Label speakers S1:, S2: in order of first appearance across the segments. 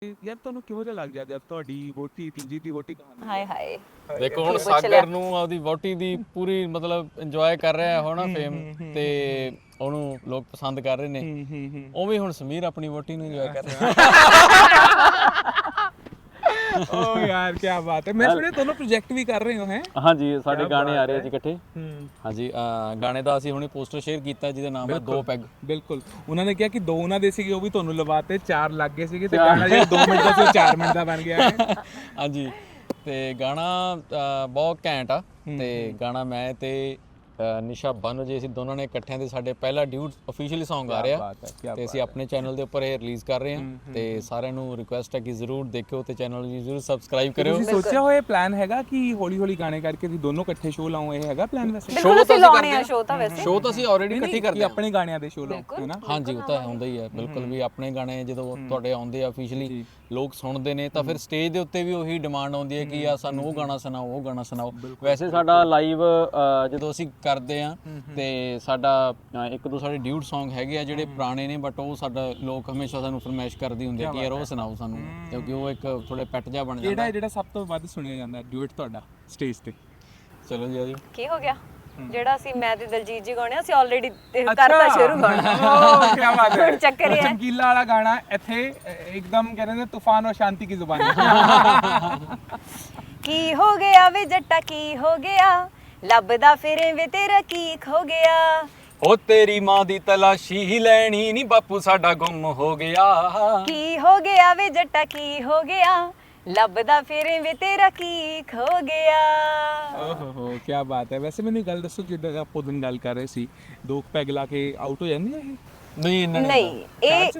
S1: ਯਾਰ ਤੁਹਾਨੂੰ ਕਿਹੋ ਜਿਹਾ ਲੱਗ ਗਿਆ ਜਦ ਤੁਹਾਡੀ ਵੋਟੀ ਤੀਜੀ ਦੀ ਵੋਟੀ ਕਹਾਣੀ
S2: ਹਾਏ ਹਾਏ
S3: ਦੇਖੋ ਹੁਣ ਸਾਗਰ ਨੂੰ ਆਪਦੀ ਵੋਟੀ ਦੀ ਪੂਰੀ ਮਤਲਬ ਇੰਜੋਏ ਕਰ ਰਿਹਾ ਹੈ ਨਾ ਫੇਮ ਤੇ ਉਹਨੂੰ ਲੋਕ ਪਸੰਦ ਕਰ ਰਹੇ ਨੇ ਉਵੇਂ ਹੁਣ ਸਮੀਰ ਆਪਣੀ ਵੋਟੀ ਨੂੰ ਇੰਜੋਏ ਕਰ ਰਿਹਾ
S1: ਓ ਯਾਰ ਕੀ ਬਾਤ ਹੈ। ਮੈਂ ਸੁਣਿਆ ਤੁਹਾਨੂੰ ਪ੍ਰੋਜੈਕਟ ਵੀ ਕਰ ਰਹੇ ਹੋ ਹੈ।
S3: ਹਾਂਜੀ ਸਾਡੇ ਗਾਣੇ ਆ ਰਹੇ ਜੀ ਇਕੱਠੇ ਹਾਂਜੀ ਗਾਣੇ ਦਾ ਅਸੀਂ ਹੁਣੇ ਪੋਸਟਰ ਸ਼ੇਅਰ ਕੀਤਾ ਜਿਹਦਾ ਨਾਮ ਹੈ ਦੋ ਪੈਗ।
S1: ਬਿਲਕੁਲ ਉਹਨਾਂ ਨੇ ਕਿਹਾ ਕਿ ਦੋ ਉਹਨਾਂ ਦੇ ਸੀਗੇ ਉਹ ਵੀ ਤੁਹਾਨੂੰ ਲਵਾਤੇ 4 ਲੱਗ ਗਏ ਸੀਗੇ ਤੇ ਗਾਣਾ ਜਿਹੜਾ 2 ਮਿੰਟ ਦਾ ਸੀ ਉਹ 4 ਮਿੰਟ ਦਾ ਬਣ ਗਿਆ ਹੈ।
S3: ਹਾਂਜੀ ਤੇ ਗਾਣਾ ਬਹੁਤ ਘੈਂਟ ਆ ਤੇ ਗਾਣਾ ਮੈਂ ਤੇ ਨਿਸ਼ਾ ਬਾਨੋ ਜੀ ਅਸੀਂ ਦੋਨਾਂ ਨੇ ਇਕੱਠਿਆਂ ਦੇ ਸਾਡੇ ਪਹਿਲਾ ਡਿਊਟ ਅਫੀਸ਼ੀਅਲੀ Song ਆ ਰਿਹਾ ਤੇ ਅਸੀਂ ਆਪਣੇ ਚੈਨਲ ਦੇ ਉੱਪਰ ਇਹ ਰਿਲੀਜ਼ ਕਰ ਰਹੇ ਹਾਂ ਤੇ ਸਾਰਿਆਂ ਨੂੰ ਰਿਕੁਐਸਟ ਹੈ ਕਿ ਜ਼ਰੂਰ ਦੇਖਿਓ ਤੇ ਚੈਨਲ ਨੂੰ ਜ਼ਰੂਰ ਸਬਸਕ੍ਰਾਈਬ ਕਰਿਓ।
S1: ਤੁਸੀਂ ਸੋਚਿਆ ਹੋਇਆ ਪਲਾਨ ਹੈਗਾ ਕਿ ਹੌਲੀ ਹੌਲੀ ਗਾਣੇ ਕਰਕੇ ਤੁਸੀਂ ਦੋਨੋਂ ਇਕੱਠੇ ਸ਼ੋਅ ਲਾਓ, ਇਹ ਹੈਗਾ ਪਲਾਨ ਵੈਸੇ?
S2: ਬਿਲਕੁਲ ਅਸੀਂ ਲਾਉਣੇ ਆ ਸ਼ੋਅ ਤਾਂ ਵੈਸੇ
S3: ਸ਼ੋਅ ਤਾਂ ਅਸੀਂ ਆਲਰੇਡੀ ਇਕੱਠੇ ਕਰਦੇ
S1: ਆਪਣੇ ਗਾਣਿਆਂ ਦੇ ਸ਼ੋਅ ਲਾਓ ਹੈ ਨਾ।
S3: ਹਾਂਜੀ ਉਹ ਤਾਂ ਹੁੰਦਾ ਹੀ ਹੈ ਬਿਲਕੁਲ ਵੀ ਆਪਣੇ ਗਾਣੇ ਜਦੋਂ ਤੁਹਾਡੇ ਆਉਂਦੇ ਆ ਅਫੀਸ਼ੀਅਲੀ ਲੋਕ ਸੁਣਦੇ ਨੇ ਤਾਂ ਫਿਰ ਸਟੇਜ ਦੇ ਉੱਤੇ ਵੀ ਉਹੀ ਡਿਮਾਂਡ ਆਉਂਦੀ ਹੈ ਕਿ ਆ ਸਾਨੂੰ ਉਹ ਗਾਣਾ ਸੁਣਾਓ ਉਹ ਗਾਣਾ ਸੁਣਾਓ। ਵੈਸੇ ਸਾਡਾ ਲਾਈਵ ਜਦੋਂ ਅਸੀਂ ਕਰਦੇ ਆ ਤੇ ਸਾਡਾ ਇੱਕ ਦੋ ਸਾਡੇ ਡਿਊਟ Song ਹੈਗੇ ਆ ਜਿਹੜੇ ਪੁਰਾਣੇ ਨੇ ਬਟ ਉਹ ਸਾਡਾ ਲੋਕ ਹਮੇਸ਼ਾ ਸਾਨੂੰ ਫਰਮਾਇਸ਼ ਕਰਦੇ ਹੁੰਦੇ ਆ ਕਿ ਯਾਰ ਉਹ ਸੁਣਾਓ ਸਾਨੂੰ ਕਿਉਂਕਿ ਉਹ ਇੱਕ ਥੋੜੇ ਪੈਟ ਜਿਹਾ ਬਣ ਜਾਂਦਾ।
S1: ਜਿਹੜਾ ਸਭ ਤੋਂ ਵੱਧ ਸੁਣਿਆ ਜਾਂਦਾ ਡਿਊਟ ਤੁਹਾਡਾ ਸਟੇਜ ਤੇ?
S3: ਚਲੋ ਜੀ ਆਜੋ।
S2: ਕੀ ਹੋ ਗਿਆ ਜਿਹੜਾ ਅਸੀਂ ਮੈਂ ਤੇ ਦਲਜੀਤ ਜੀ ਗਾਉਣੇ ਅਸੀਂ ਆਲਰੇਡੀ ਕਰਤਾ ਸ਼ੁਰੂ ਗਾਣਾ।
S1: ਓ ਕੀ ਬਾਤ ਹੈ।
S2: ਚੱਕਰ ਇਹ ਹੈ
S1: ਚਮਕੀਲਾ ਵਾਲਾ ਗਾਣਾ ਇੱਥੇ ਇੱਕਦਮ ਕਹਿੰਦੇ ਨੇ ਤੂਫਾਨ ਔਰ ਸ਼ਾਂਤੀ ਕੀ ਜ਼ੁਬਾਨ ਹੈ।
S2: ਕੀ ਹੋ ਗਿਆ ਵੇ ਜੱਟਾ ਕੀ ਹੋ ਗਿਆ ਲੱਭਦਾ ਫਿਰੇ ਵੇ ਤੇਰਾ ਕੀ ਖੋ ਗਿਆ।
S3: ਉਹ ਤੇਰੀ ਮਾਂ ਦੀ ਤਲਾਸ਼ੀ ਹੀ ਲੈਣੀ ਨਹੀਂ ਬਾਪੂ ਸਾਡਾ ਗੁੰਮ ਹੋ ਗਿਆ।
S2: ਕੀ ਹੋ ਗਿਆ ਵੇ ਜੱਟਾ ਕੀ ਹੋ ਗਿਆ ਲੱਭਦਾ ਫਿਰੇ ਵੇ ਤੇਰਾ ਕੀ ਖੋ ਗਿਆ।
S1: ਓਹ ਹੋ ਕੀ ਬਾਤ ਹੈ। ਵੈਸੇ ਮੈਨੂੰ ਗੱਲ ਦੱਸੋ ਜਿੱਦਾਂ ਆਪਾਂ ਦਿਨ ਗੱਲ ਕਰ ਰਹੇ ਸੀ ਦੋ ਪੈਗ ਲਾ ਕੇ ਆਊਟ ਹੋ ਜਾਂਦੀ ਹੈ ਇਹ?
S3: ਨਹੀਂ
S2: ਨਹੀਂ ਇਹ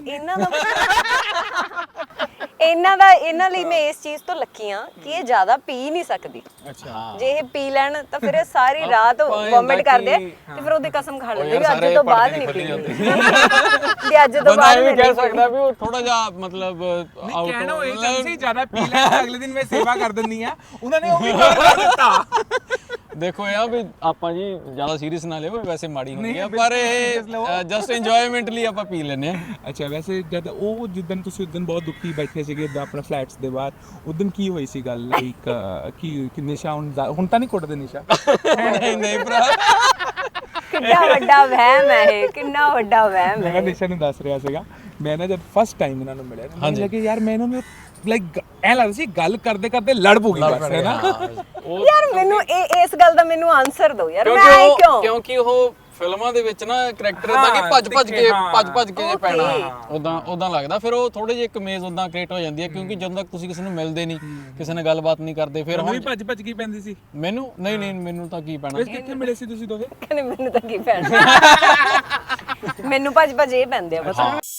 S2: ਇਹਨਾਂ ਲਈ ਮੈਂ ਇਸ ਚੀਜ਼ ਤੋਂ ਲੱਕੀ ਆ ਕਿ ਇਹ ਜ਼ਿਆਦਾ ਪੀ ਨਹੀਂ ਸਕਦੀ।
S1: ਅੱਛਾ
S2: ਜੇ ਇਹ ਪੀ ਲੈਣ ਤਾਂ ਫਿਰ ਇਹ ਸਾਰੀ ਰਾਤ ਵੋਮਿਟ ਕਰਦੇ ਤੇ ਫਿਰ ਉਹਦੀ ਕਸਮ ਖਾ ਲੈਂਦੇ ਵੀ ਅੱਜ ਤੋਂ ਬਾਅਦ ਨਹੀਂ ਪੀਣੀ ਵੀ ਅੱਜ ਤੋਂ ਬਾਅਦ
S3: ਨਹੀਂ ਕਹਿ ਸਕਦਾ ਵੀ ਉਹ ਥੋੜਾ ਜਿਹਾ ਮਤਲਬ ਆਊਟ
S1: ਕਹਿਣਾ ਇਹ ਤਾਂ ਸੀ ਜ਼ਿਆਦਾ ਪੀ ਲੈ ਅਗਲੇ ਦਿਨ ਮੈਂ ਸੇਵਾ ਕਰ ਦਿੰਦੀ ਆ ਉਹਨਾਂ ਨੇ ਉਹ ਵੀ ਕਰ ਦਿੱਤਾ।
S3: ਦੇਖੋ ਯਾਰ ਵੀ ਆਪਾਂ ਜੀ ਜ਼ਿਆਦਾ ਸੀਰੀਅਸ ਨਾ ਲਿਓ ਵੈਸੇ ਮਾੜੀ ਹੁੰਦੀ ਆ ਪਰ ਇਹ ਜਸਟ ਇੰਜੋਇਮੈਂਟ ਲਈ ਆਪਾਂ ਪੀ ਲੈਂਦੇ ਆ।
S1: ਅੱਛਾ ਵੈਸੇ ਜਦ ਉਹ ਜਿੱਦਣ ਤੁਸੀਂ ਉਦੋਂ ਬਹੁਤ ਦੁਖੀ ਬੈਠੇ ਸੀਗੇ ਆਪਣੇ ਫਲੈਟਸ ਦੇ ਬਾਹਰ ਉਦੋਂ ਕੀ ਹੋਈ ਸੀ ਗੱਲ ਲਾਈਕ ਕੀ ਨਿਸ਼ਾ ਹੁਣ ਤਾਂ ਨਹੀਂ ਕੁੱਟਦੇ ਨਿਸ਼ਾ?
S3: ਨਹੀਂ ਭਰਾ
S2: ਕਿੰਨਾ ਵੱਡਾ ਵਹਿਮ ਹੈ ਇਹ ਕਿੰਨਾ ਵੱਡਾ ਵਹਿਮ ਹੈ।
S1: ਮੈਂ ਨਿਸ਼ਾ ਨੂੰ ਦੱਸ ਰਿਹਾ ਸੀਗਾ ਮੈਂ ਨਾ ਜਦ ਫਸਟ ਟਾਈਮ ਇਹਨਾਂ ਨੂੰ ਮਿਲਿਆ ਮੈਨੂੰ ਲੱਗੇ ਯਾਰ ਮੈਂ ਇਹਨਾਂ ਨੂੰ ਲਾਈਕ ਐ ਲੱਗਦਾ ਸੀ ਗੱਲ ਕਰਦੇ ਕਰਦੇ ਲੜ ਪੂਗੀ ਬਸ ਹੈ ਨਾ।
S2: ਯਾਰ ਮੈਨੂੰ ਇਸ ਗੱਲ ਦਾ ਮੈਨੂੰ ਆਨਸਰ ਦਿਓ ਯਾਰ ਮੈਂ
S3: ਕਿਉਂਕਿ ਉਹ ਫਿਲਮਾਂ ਦੇ ਵਿੱਚ ਨਾ ਕਰੈਕਟਰ ਇਦਾਂ ਕਿ ਭੱਜ ਕੇ ਪੈਣਾ ਉਦਾਂ ਲੱਗਦਾ ਫਿਰ ਉਹ ਥੋੜੇ ਜਿਹੇ ਕਮੇਜ਼ ਉਦਾਂ ਕ੍ਰੀਏਟ ਹੋ ਜਾਂਦੀ ਹੈ ਕਿਉਂਕਿ ਜਦੋਂ ਤੱਕ ਤੁਸੀਂ ਕਿਸੇ ਨੂੰ ਮਿਲਦੇ ਨਹੀਂ ਕਿਸੇ ਨਾਲ ਗੱਲਬਾਤ ਨਹੀਂ ਕਰਦੇ ਫਿਰ
S1: ਹੁਣ ਭੱਜ ਕੀ ਪੈਂਦੀ ਸੀ
S3: ਮੈਨੂੰ ਨਹੀਂ ਮੈਨੂੰ ਤਾਂ ਕੀ ਪੈਣਾ।
S1: ਕਿੱਥੇ ਮਿਲੇ ਸੀ ਤੁਸੀਂ ਦੋਵੇਂ?
S2: ਕਹਿੰਦੇ ਮੈਨੂੰ ਤਾਂ ਕੀ ਪੈਣਾ ਮੈਨੂੰ ਭੱਜ ਇਹ ਪੈਂਦੇ ਆ ਬਸ।